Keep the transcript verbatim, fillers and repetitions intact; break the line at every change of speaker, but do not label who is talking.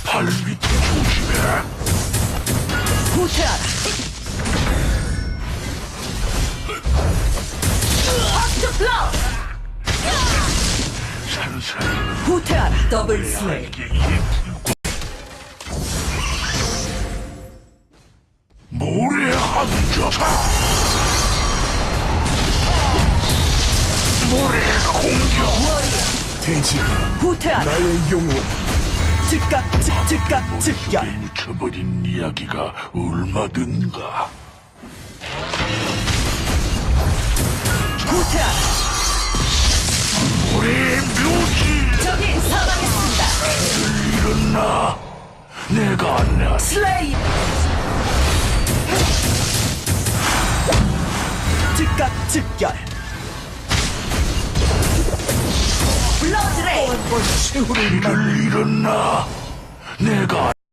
발 밑에 조심해.
후퇴하라. 헛트 플로우.
산산
후퇴하라. 더블 스웨이.
알갱이에 불고 모래 함정사. 모래 공격.
돼지가
후퇴하라.
나의 영혼.
즉각 즉 즉각 즉결.
묻혀버린 이야기가 얼마든가.
후퇴하라.
모래의 묘지.
적이 사망했습니다.
일어나. 내가 안내.
슬레이. 즉각 즉결. 블러드레이.
세월을
이를 일어나. 내가